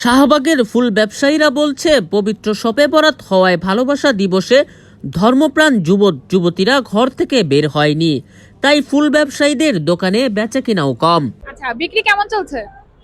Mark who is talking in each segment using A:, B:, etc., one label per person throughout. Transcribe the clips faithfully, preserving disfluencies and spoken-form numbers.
A: শাহবাগের ফুল ব্যবসায়ীরা বলছে, পবিত্র শবে বরাত হওয়ায় ভালোবাসা দিবসে ধর্মপ্রাণ যুবক যুবতীরা ঘর থেকে বের হয়নি, তাই ফুল ব্যবসায়ীদের দোকানে বেচাকেনাও কম।
B: আচ্ছা, বিক্রি কেমন চলছে?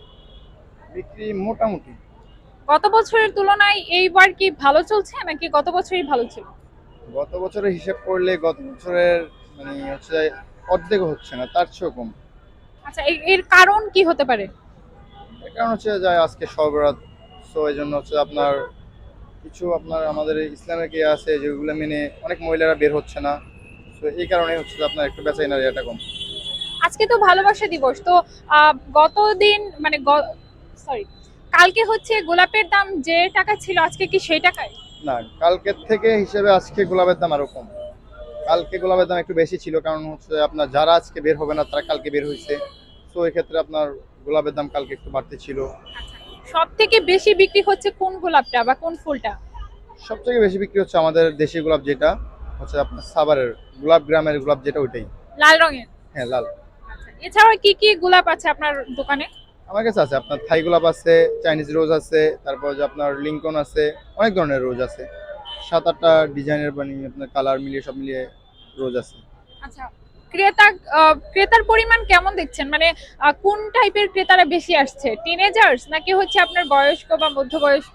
C: বিক্রি মোটামুটি
B: গত বছরের তুলনায় এইবার কি ভালো চলছে নাকি গত বছরই ভালো ছিল?
C: গত বছরের হিসাব করলে গত বছরের মানে হচ্ছে অর্ধেক হচ্ছে না, তার চেয়েও কম।
B: আচ্ছা, এ- এর কারণ কি হতে পারে?
C: এর কারণ হচ্ছে যে আজকে সবরাত, সো এই জন্য হচ্ছে আপনার কিছু আপনার আমাদের ইসলামের কি আছে যেগুলো মেনে অনেক মহিলারা বের হচ্ছে না, তো এই কারণে হচ্ছে যে আপনার একটু বেচা কেনার এটা কম।
B: আজকে তো ভালোবাসা দিবস, তো আহ, গতদিন মানে সরি কালকে হচ্ছে গোলাপের দাম যে টাকা ছিল আজকে কি সেই টাকায়?
C: না, কালকের থেকে হিসেবে আজকে গোলাপের দাম আরো কম। কালকে গোলাপের দাম একটু বেশি ছিল, কারণ হচ্ছে আপনার যারা আজকে বের হবে না তারা কালকে বের হয়েছে, তো এই ক্ষেত্রে আপনার গোলাপের দাম কালকে একটু বাড়তি ছিল।
B: সব থেকে বেশি বিক্রি হচ্ছে কোন গোলাপটা বা কোন ফুলটা?
C: সব থেকে বেশি বিক্রি হচ্ছে আমাদের দেশি গোলাপ, যেটা হচ্ছে আপনার সাভারের গোলাপ গ্রামের গোলাপ, যেটা ওইটাই।
B: লাল রঙের?
C: হ্যাঁ, লাল।
B: আচ্ছা, এছাড়াও কি কি গোলাপ আছে আপনার দোকানে?
C: আমার কাছে আছে আপনার থাই গোলাপ আছে, চাইনিজ রোজ আছে, তারপর যে আপনার লিঙ্কন আছে, অনেক ধরনের রোজ আছে। সাত আটটা ডিজাইনের বানিয়ে আপনার কালার মিলিয়ে সব মিলিয়ে রোজ আছে।
B: আচ্ছা, ক্রেতা আহ, ক্রেতার পরিমাণ কেমন দেখছেন? মানে আহ, কোন টাইপের ক্রেতারা বেশি আসছে, টিনেজার্স নাকি হচ্ছে আপনার বয়স্ক বা মধ্যবয়স্ক?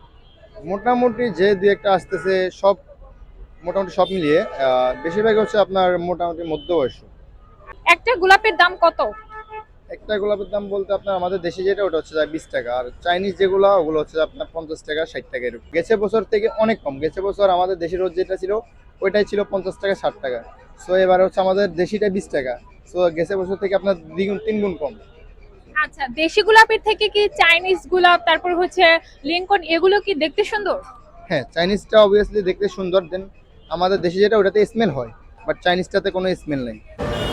C: মোটামুটি যে দুই একটা আসতেছে, সব মোটামুটি সব মিলিয়ে আহ, বেশিরভাগ হচ্ছে আপনার মোটামুটি মধ্যবয়স্ক।
B: একটা গোলাপের দাম কত?
C: একটা গোলাপের দাম বলতে আপনার আমাদের দেশে যেটা ওটা হচ্ছে বিশ টাকা, আর চাইনিজ যেগুলো ওগুলো হচ্ছে আপনার পঞ্চাশ টাকা ষাট টাকা এরকম। গেছে বছর থেকে অনেক কম। গেছে বছর আমাদের দেশি রোজ যেটা ছিল ওইটাই ছিল পঞ্চাশ টাকা ষাট টাকা, সো এবার হচ্ছে আমাদের দেশিটা বিশ টাকা, সো গেছে বছর থেকে আপনার দ্বিগুণ তিন গুণ কম।
B: আচ্ছা, দেশি গোলাপের থেকে কি চাইনিজ গোলাপ, তারপর হচ্ছে লিঙ্কন, এগুলো কি দেখতে সুন্দর?
C: হ্যাঁ, চাইনিজটা অবভিয়াসলি দেখতে সুন্দর, দেন আমাদের দেশে যেটা ওটাতে স্মেল হয়, বাট চাইনিজটাতে কোনো স্মেল নেই।